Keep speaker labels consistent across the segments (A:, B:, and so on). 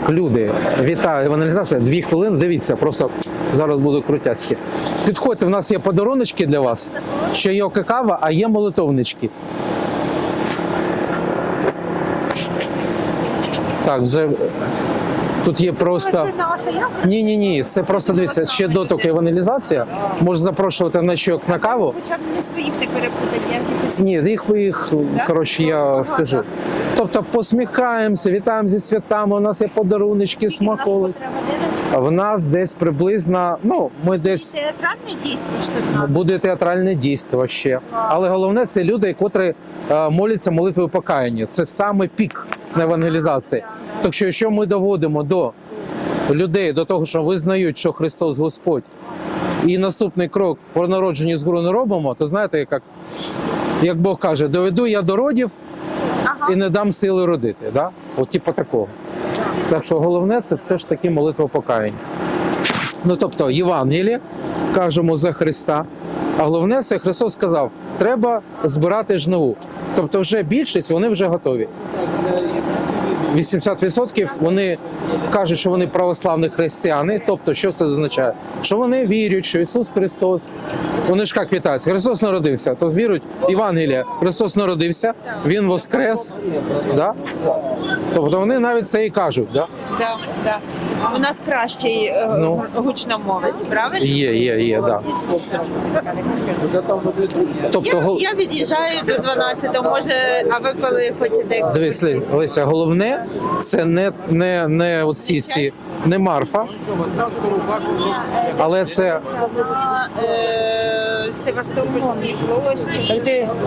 A: люди, вітаю, евангелізація, 2 хвилини, дивіться, просто зараз будуть крутяськи. Підходьте, в нас є подаруночки для вас, ще є кава, а є молитовнички. Так, вже тут є просто... Ні, це просто, дивіться, ще доток евангелізація. Може запрошувати на щок на каву.
B: Хоча б не своїх не перепутати, я вже посміхаю.
A: Ні, їх, коротше, я скажу. Тобто посміхаємося, вітаємо зі святами, у нас є подаруночки, смаколики. А в нас десь приблизно, ми десь...
B: Театральне дійство, що тут надо.
A: Буде театральне дійство ще. Але головне, це люди, котрі моляться молитвою покаяння. Це саме пік на евангелізації. Так що, якщо ми доводимо до людей, до того, що визнають, що Христос Господь, і наступний крок по народженню згору не робимо, то знаєте, як Бог каже, доведу я до родів і не дам сили родити. Да? От типу такого. Так що головне, це все ж таки молитва покаяння. Тобто Євангеліє, кажемо за Христа, а головне, це Христос сказав, треба збирати жниву. Тобто вже більшість, вони вже готові. 80% вони кажуть, що вони православні християни. Тобто, що це означає? Що вони вірять, що Ісус Христос, вони ж як вітаються, Христос народився, то вірують Євангелія, Христос народився, Він воскрес, да? Тобто вони навіть це і кажуть. Да?
B: Так. У нас кращий гучномовець, правильно?
A: Є, да. Тобто,
B: Я від'їжджаю до 12-го, може, а ви коли хочете
A: дивись, Леся, головне, це не оці всі, не Марфа, але це...
B: Севастопольській площі.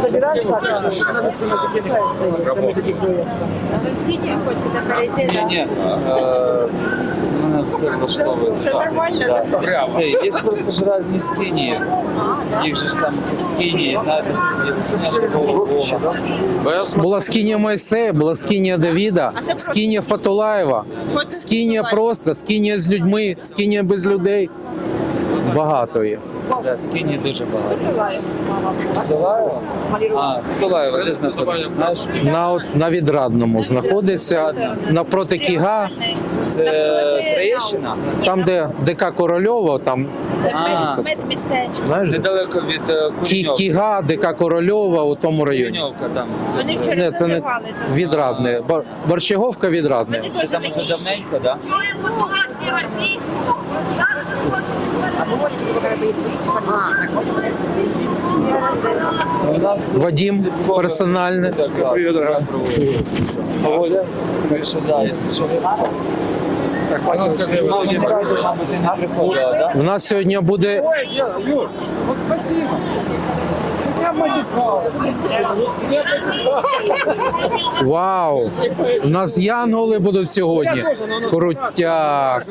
B: Ви в Скінію хочете перейти?
C: Ні, мене все влаштовує.
B: Все нормально?
C: Це є просто ж різні скині. Їх же ж там скині, знаєте, є скиня такого Бога.
A: Була скинія Мойсея, була скинія Давіда, скинія Фатулаєва, скинія просто, скинія з людьми, скинія без людей. Багато є.
C: Так, скині дуже багато. Фатулаєва? Фатулаєва, де знаходиться, знаєш?
A: На Відрадному знаходиться, напроти Кіга,
C: Це Троєщина?
A: там, де ДК Корольова, там,
B: Медмістечко.
A: знаєш,
C: Недалеко від Куреньовки.
A: Кіга, ДК Корольова у тому районі.
C: Куреньовка там.
B: Вони
A: Ні,
B: вчора
A: це не
B: заживали тут.
A: Відрадне. Борщаговка Відрадне.
C: Ти там уже давненько, так?
A: Вадим персональне.
C: Оля, більше якщо що. З мамою разом, мабуть, ти не приходила, так?
A: У нас сьогодні буде... Вау! У нас янголи будуть сьогодні. Крутяк!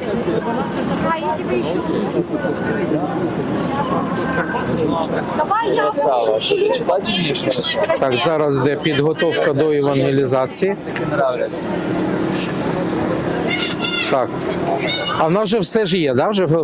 C: Красава. Що ти читати вмієш?
A: Так, зараз йде підготовка до евангелізації.
C: Нравляться.
A: Так. А в нас вже все ж є, да? Вже